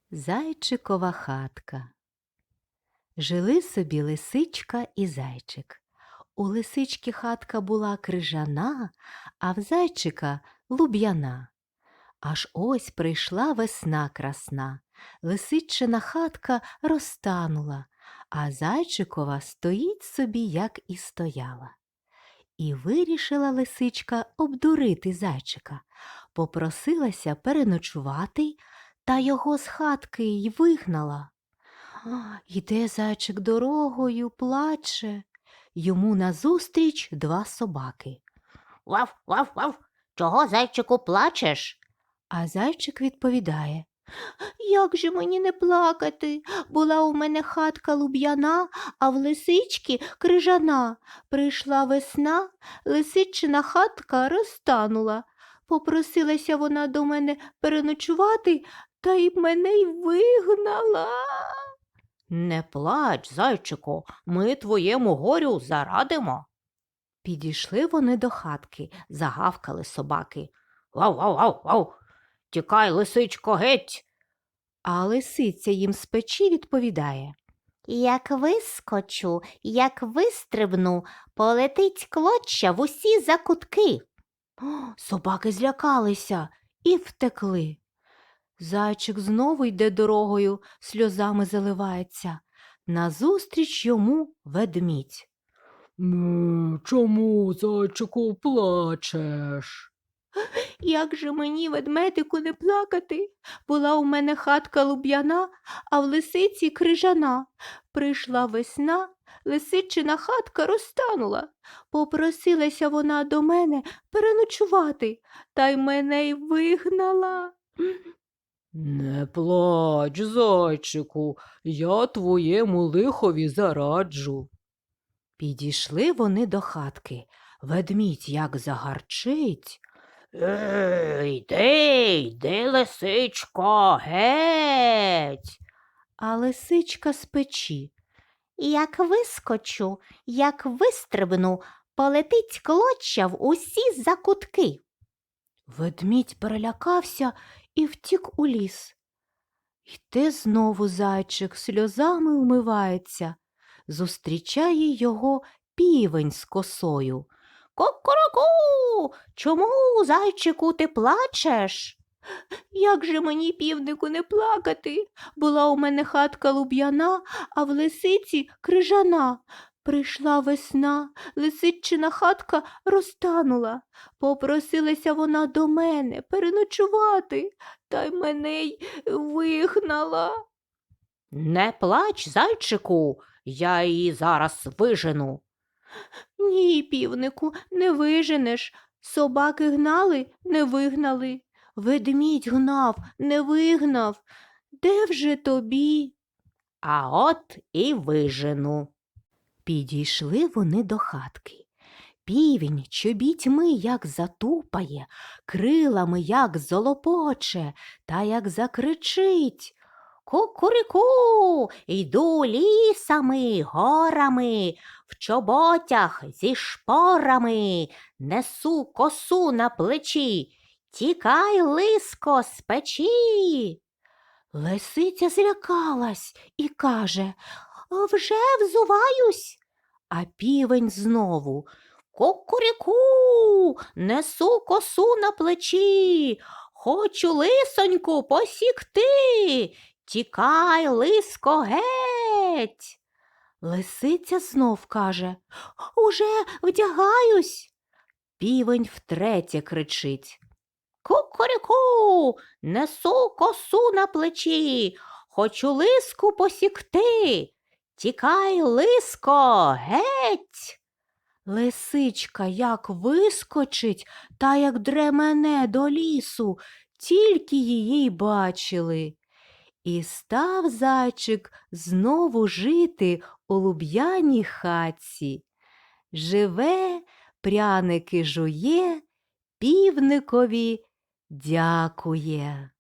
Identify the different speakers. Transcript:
Speaker 1: Зайчикова хатка. Жили собі лисичка і зайчик. У лисички хатка була крижана, а в зайчика луб'яна. Аж ось прийшла весна красна. Лисичина хатка розтанула, а зайчикова стоїть собі, як і стояла. І вирішила лисичка обдурити зайчика. Попросилася переночувати, та його з хатки й вигнала. Йде зайчик дорогою, плаче. Йому назустріч два собаки.
Speaker 2: Вав, вав, вав, чого, зайчику, плачеш?
Speaker 1: А зайчик відповідає: як же мені не плакати? Була у мене хатка луб'яна, а в лисички крижана. Прийшла весна, лисичина хатка розтанула. Попросилася вона до мене переночувати, та й мене й вигнала.
Speaker 2: Не плач, зайчику, ми твоєму горю зарадимо.
Speaker 1: Підійшли вони до хатки, загавкали собаки.
Speaker 2: Вав, вав, вав, вав, тікай, лисичко, геть.
Speaker 1: А лисиця їм з печі відповідає:
Speaker 2: Як вискочу, як вистрибну, полетить клоча в усі закутки.
Speaker 1: Собаки злякалися і втекли. Зайчик знову йде дорогою, сльозами заливається. Назустріч йому ведмідь.
Speaker 3: Чому, зайчику, плачеш?
Speaker 1: Як же мені, ведмедику, не плакати? Була у мене хатка луб'яна, а в лисиці крижана. Прийшла весна, лисичина хатка розтанула. Попросилася вона до мене переночувати, та й мене й вигнала.
Speaker 3: Не плач, зайчику, я твоєму лихові зараджу.
Speaker 1: Підійшли вони до хатки. Ведмідь як загарчить.
Speaker 2: Йди, лисичко, геть.
Speaker 1: А лисичка з печі.
Speaker 2: Як вискочу, як вистрибну, полетить клоча в усі закутки.
Speaker 1: Ведмідь перелякався і втік у ліс. Йде знову зайчик, сльозами умивається. Зустрічає його півень з косою.
Speaker 2: Кукуруку, чому, зайчику, ти плачеш?
Speaker 1: Як же мені, півнику, не плакати? Була у мене хатка луб'яна, а в лисиці крижана. Прийшла весна, лисичина хатка розтанула. Попросилася вона до мене переночувати, та й мене й вигнала.
Speaker 2: Не плач, зайчику, я її зараз вижену.
Speaker 1: Ні, півнику, не виженеш. Собаки гнали, не вигнали. Ведмідь гнав, не вигнав. Де вже тобі?
Speaker 2: А от і вижену.
Speaker 1: Підійшли вони до хатки. Півень чобітьми як затупає, крилами як золопоче, та як закричить.
Speaker 2: Кукуріку, йду лісами, горами, в чоботях зі шпорами, несу косу на плечі, тікай, лиско, з печі.
Speaker 1: Лисиця злякалась і каже: вже взуваюсь. А півень знову:
Speaker 2: Кукуріку, несу косу на плечі, хочу лисоньку посікти, тікай, лиско, геть.
Speaker 1: Лисиця знов каже: уже вдягаюсь. Півень втретє кричить:
Speaker 2: Кукуріку, несу косу на плечі, хочу лиску посікти, тікай, лиско, геть.
Speaker 1: Лисичка як вискочить, та як дремене до лісу, тільки її й бачили. І став зайчик знову жити у луб'яній хатці. Живе, пряники жує, півникові дякує.